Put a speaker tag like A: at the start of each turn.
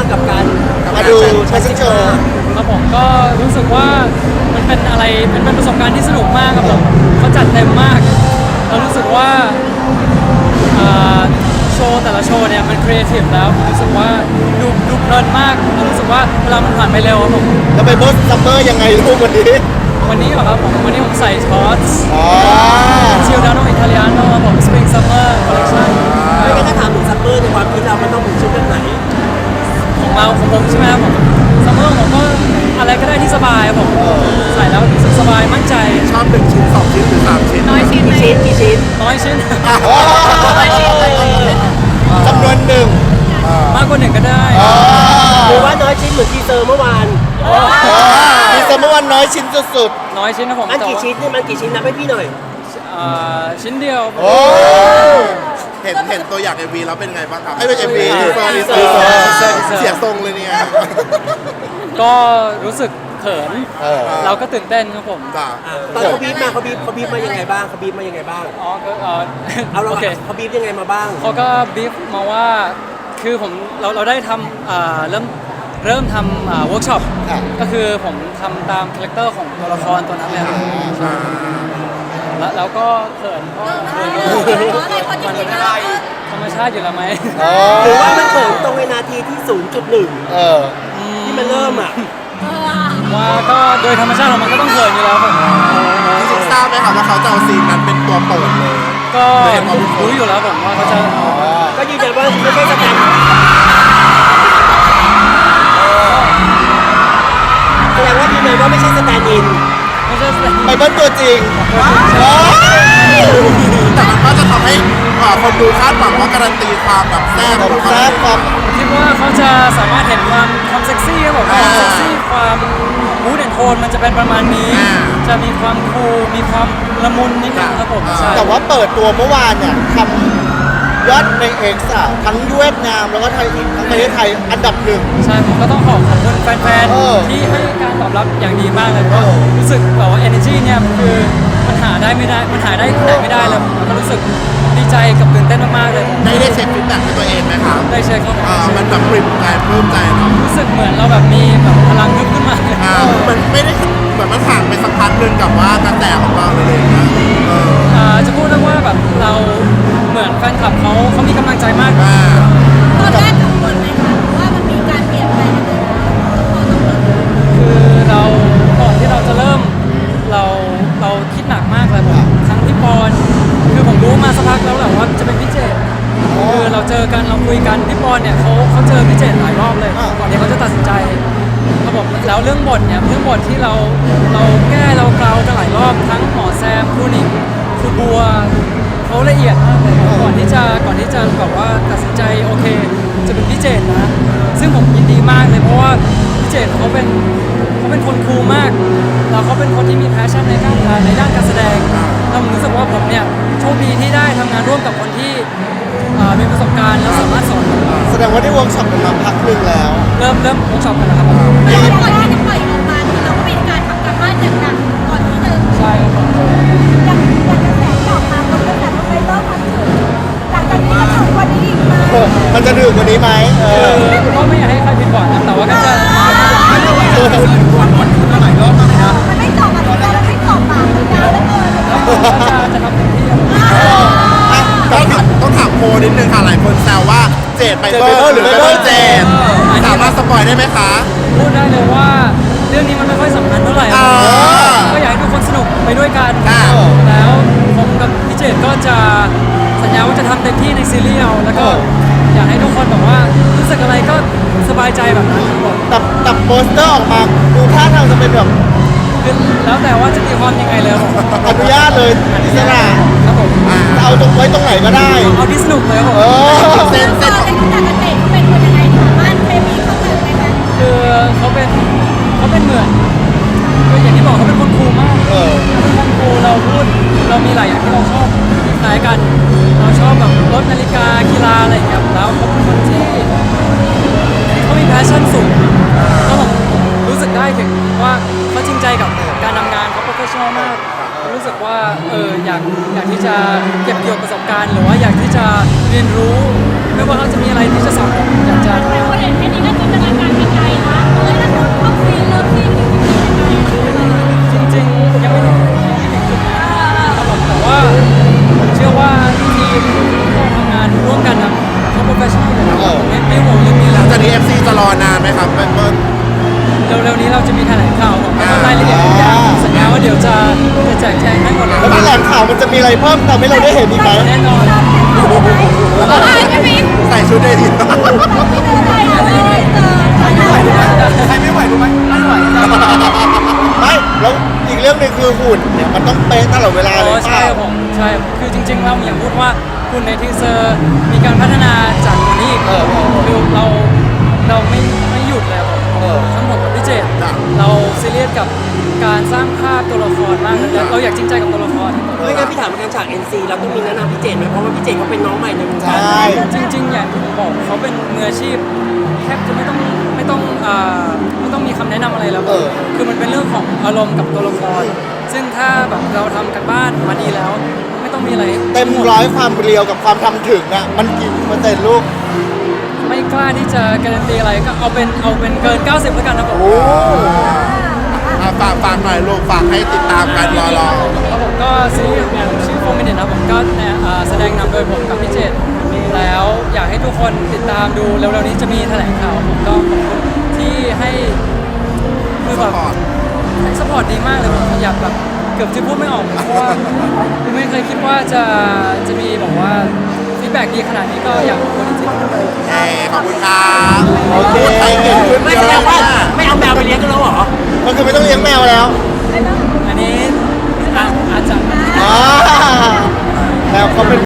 A: กับการ
B: มาดูแฟชั่นโชว์
C: ครับผมก็รู้สึกว่ามันเป็นอะไรเป็นประสบการณ์ที่สนุกมากครับผมเขาจัดเต็มมากเรารู้สึกว่าโชว์แต่ละโชว์เนี่ยมันครีเอทีฟแล้วผมรู้สึกว่าดูเพลินมากเรารู้สึกว่าเวลามันผ่านไปเร็วครับผม
B: แล้วไปโบสซัมเมอร์ยังไงลูกวันนี้
C: วันนี้เหรอครับผมวันนี้ผมใส่ช็อตส์
B: อ๋อ
C: ชิลดาโนอิตาเลียโนครับผมสปริงซัมเมอร์คอลเลคชั่น
A: ไม่ได้ถ้าถามถึงซัมเมอร์ในความคิดเรามันต้องเป็นชุดแบบไหน
C: ของผมใช่ไหมครับผมซัมเมอร์ผมก็อะไรก็ได้ที่สบายครับผมใส่แล้วรู้สึกสบายมั่นใจ
D: ชอบ1 ชิ้น 2 ชิ้นหรือ 3 ชิ้น
C: น้อยชิ้น
A: กี่ชิ้น
C: น้อยชิ้น
B: จำนวนหนึ่ง
C: มากกว่าหนึ่งก็ได้
A: หรือว่าน้อยชิ้นเหมือนทีเซอร์เมื่อวาน
B: มีสมมติว่าน้อยชิ้นสุด
C: น้อยชิ้นนะผม
A: มันกี่ชิ้นนี่มันกี่ชิ้นนับให้พี่หน่อย
C: ชิ้นเดียว
B: ๆโอ้
D: เห็นตัวอย่าง MV แล้วเป็นไงบ้างครับ
B: ไอ้เป็น MV
D: ทีเซอร์เสียทรงเลยเนี่ย
C: ก็รู้สึกเขิน เราก็ตื่นเต้นครับผม
D: จ้า
A: ตอนเขาบีบมาเขาบีบมายังไงบ้างเขาบีบมายังไงบ้าง
C: อ๋อก็
A: เอาเรา
C: โอเค
A: เขาบีบยังไงมาบ้าง
C: เขาก็บีฟมาว่าคือเราได้ทำเริ่มทำเวิร์กช็อปก็คือผมทำตามคาแรคเตอร์ของตัวละครตัวนั้นเลยครับแล้วก็เขินเพราะมันธรรมชาติอยู่แล้วไหม
A: หรือว่ามันเขินตรงในนาทีที่ 0.1
B: เออ
A: ที่มันเริ่มอ่ะ
C: ว่าก็โดยธรรมชาติของมันก็ต้องเขินอยู่แล้วผม
D: จริงๆทราบไหมครับว่าเขาจะเอาซีนนั้นเป็นตัวโปรดเลย
C: ก็รู้อยู่แล้วผมว่าเขาจะ
A: ก็ยืนยันว่าไม่ใช่สแตนแสดงว่ายืนยันว่าไม่ใช่สแตนด์อิน
C: ไม่ใช่แสดง
B: ไปเบิ้ลตัวจริง
D: แต่มันก็จะทำให้คนดูคาดหวังว่าการันตีความแบบแซ่บของเขา
B: แซ่บความ
C: คิดว่าเขาจะสามารถเห็นความเซ็กซี่ครับผมความเซ็กซี่ความมูดแอนโทนมันจะเป็นประมาณนี้ จะมีความคูลมีความละมุนนิดนึงครับผมใช่
B: แต่ว่าเปิดตัวเมื่อวานเนี่ยทำยอดในเอ็กซ์ทั้งเวียดนามแล้วก็ไทยทั้งประเทศไทยอันดับหนึ่ง
C: ใช่ผมก็ต้องขอบคุณแฟน
B: เออ
C: ๆที่ให้การตอบรับอย่างดีมากเลยเพราะรู้สึกแบบว่า energy เนี่ยคือมันหาได้ไม่ได้มันหาได้ที่ไหนไม่ได้เลยผมก็รู้สึกดีใจกับตื่นเต้นมากๆเลย
D: ได้เช็คฟีดแบ็กให้ตัวเองไหมครับ
C: ได้เช็คครับผม
D: มันแบบปริ่มใจปลื้มใจเนาะ
C: รู้สึกเหมือนเราแบบมีแบบพลังฮึบขึ้นมา
D: มันไม่ได้เหมือนมันห่างไปสักพักหนึงกับว่ากระแสของเราเลยนะ
C: จะพูดได้ว่าแบบเราเหมือนแฟนคลับเขามีกำลังใจมาก
E: ตอนแรกกังวลไหมคะว่ามันมีการเปลี่ยนแปลงในตัวเรา
C: คือเราก่อนที่เราจะเริ่มเราคิดหนักมากเลยผมทั้งพี่ปอนคือผมรู้มาสักพักแล้วแหละว่าจะเป็นพี่เจตคือเราเจอกันเราคุยกันพี่ปอนเนี่ยเขาเจอพี่เจตหลายรอบเลยก่อนที่เขาจะตัดสินใจเขาบอกแล้วเรื่องบทเนี่ยเรื่องบทที่เราแก้เราเกลากันหลายรอบทั้งหมอแซมครูหนิงครูบัวเขาละเอียดมากเลยก่อนที่จะแบบว่าตัดสินใจโอเคจะเป็นพี่เจตนะซึ่งผมยินดีมากเลยเพราะว่าพี่เจตเขาเป็นคนคูลมากแล้วเขาเป็นคนที่มีแพชชั่นในด้านการแสดงแล้วผมรู้สึกว่าผมเนี่ยโชคดีที่ได้ทำงานร่วมกับคนที่มีประสบการณ์แล้วสามารถสอนผม
B: แสดงว่าได้เวิร์กช็อปกันมาพักหนึ่งแล้ว
C: เริ่มเวิร์กช็อปกันแล้วครับ
E: แล้วก่อนที่จะปล่อยออกมาคือเราก็มีการทำการบ้านอย่างหนักก่อนที่จะ
C: ใช่ครับผม
E: อย่างกระแสที่ออกมาก็เป็นแบบไปเริ่มพัฒนาหลังจากนี้ก็ถึงวันนี้อีกไหม
B: มันจะดื่มกว่านี้ไหม
C: ก็ไม่อยากให้ใครผิดหวังนะแต่ว่าก็จะ
E: มันไม่จบอ่ะมันไม่จบอ่ะมันยาวเหลือเกิน
C: จะทำเต็มที่
D: ต้องถามโมนิดนึงค่ะหลายคนแซวว่าเจดไปเบิร์หรือไปเบิร์เจดสามารถสปอยได้ไหมคะ
C: พูดได้เลยว่าเรื่องนี้มันไม่ค่อยสำคัญเท่าไหร่ก็อยากให้ทุกคนสนุกไปด้วยกันแล้วผมกับพี่เจตก็จะสัญญาว่าจะทำเต็มที่ในซีรีส์เอาแล้วก็อยากให้ทุกคนแบบว่ารู้สึกอะไรก็สบายใจแบบนั้นครับผม
B: แต่โปสเตอร์ออกมาดูท่าทางจะเป็นแบบ
C: คือแล้วแต่ว่าจะตีความยังไงเลยครับผม
B: อนุญาตเลยอิสระ
C: ครับผม
B: เอาตรงไว้ตรงไหนก็ได้
C: เอาที่สนุกเลยครับผม
D: เส้น
E: ตอนในขณะเกษตรเขาเป็นคนยังไงสามารถเคมีเข้ากันไหมคะ
C: คือเขาเป็นเหมือนคืออย่างที่บอกเขาเป็นคนคูลมาก เป็นคนคูลเราพูดเรามีหลายอย่างที่เราชอบคล้ายกัน เราชอบแบบรถนาฬิกากีฬาอะไรอย่างเงี้ยแล้วเขาเป็นคนที่เขามีแพชชั่นสูงแล้วผมรู้สึกได้ถึงว่าเขาจริงใจกับการทำงานเขาโปรเฟชชั่นอลมากรู้สึกว่าอยากที่จะเก็บเกี่ยวประสบการณ์หรือว่าอยากที่จะเรียนรู้ไม่ว่าเขาจะมีอะไรที่จะสอนผมอยากจะ
E: แต่คนเห็นแค่นี้ก็จินตนา
C: จริงๆยังไม่ถึงจุดนั้นครับผมแต่ว่าผมเชื่อว่าทีมที่เราทำงานร่วมกันนะเขาโปรเฟชชั่นอลอยู่แล้วไม่ห่วงเรื่องนี้แล้ว
D: จากนี้ FC จะรอนานไหมครับเปิ้ล
C: เร็วๆนี้เราจะมีแถลงข่าวของรายละเอียดทุกอย่างสัญญาว่าเดี๋ยวจะแจกแจงให้หมดเลย
B: แล้วแถลงข่าวมันจะมีอะไรเพิ่มเติมให้เราได้เห็นอีกไหม
C: แน่นอน
E: ไม่มี
D: ใส่ชุดได้ดี
E: ใครไม่ไหวรู้ไหม
B: ไม่แล้วอีกเรื่องหนึงคือหุ่นเนี่ยมันต้องเป๊ะตลอดเวลาเลย
C: ใช่ครับผมใช่คือจริงๆเราอย่างพูดว่าคุณในทีเซอร์มีการพัฒนาจากวันนี้อีกคือเราไม่หยุดเลยครับผมทั้งหมดกับพี่เจตเราซีเรียสกับการสร้างภาพตัวละครมากเลยเราอยากจริงใจกับตัวละคร
A: ไม่งั้นพี่ถามการฉาก NC เราต้องมีแนะนำพี่เจนไหมเพราะว่าพี่เจนเขาเป็นน้องใหม่ในวงการ
B: ใช่
C: จริงๆอย่างที่ผมบอกเขาเป็นมืออาชีพแทบจะไม่ต้องมีคำแนะนำอะไรแล้วคือมันเป็นเรื่องของอารมณ์กับตัวละคร ซึ่งถ้าแบบเราทำกันบ้านมาดีแล้ว ไม่ต้องมีอะไร
B: เต็มร้อยความเรียวกับความทำถึงอ่ะมันกี่เปอร์เซ็นต์ลูก
C: ไม่กล้าที่จะการันตีอะไรก็เอาเป็นเกิน 90แล้วกันนะผม
B: โอ้
D: ฝากหน่อยลูกฝากให้ติดตามกันรอ
C: แล้วผมก็ซีรีส์อย่างชื่อโฟมินิตนะผมก็แสดงนำโดยผมกับพี่เจตแล้วอยากให้ทุกคนติดตามดูเร็วๆนี้จะมีแถลงข่าวผมก็ขอบคุณที่ให้คือแบบให้สปอร์ตดีมากเลยผมอยากแบบเกือบจะพูดไม่ออกเพราะว่าไม่เคยคิดว่าจะมีบอกว่าฟีดแบ็กดีขนาดนี้ก็อยากขอบคุณจริงๆ
D: ๆขอบคุณครับ
B: โอเค
D: พูดไทยเก่งขึ้น
A: ไม่
D: เย
A: แสด
D: อะ
A: งว่า
D: มาก
A: ไม่เอาแมวไปเลี้ยงกันแล้วเหรอ
B: มันคือไม่ต้องเลี้ยงแมวแล้ว
C: อันนี้อาจจะ
B: อ๋อแมวเขาเป็น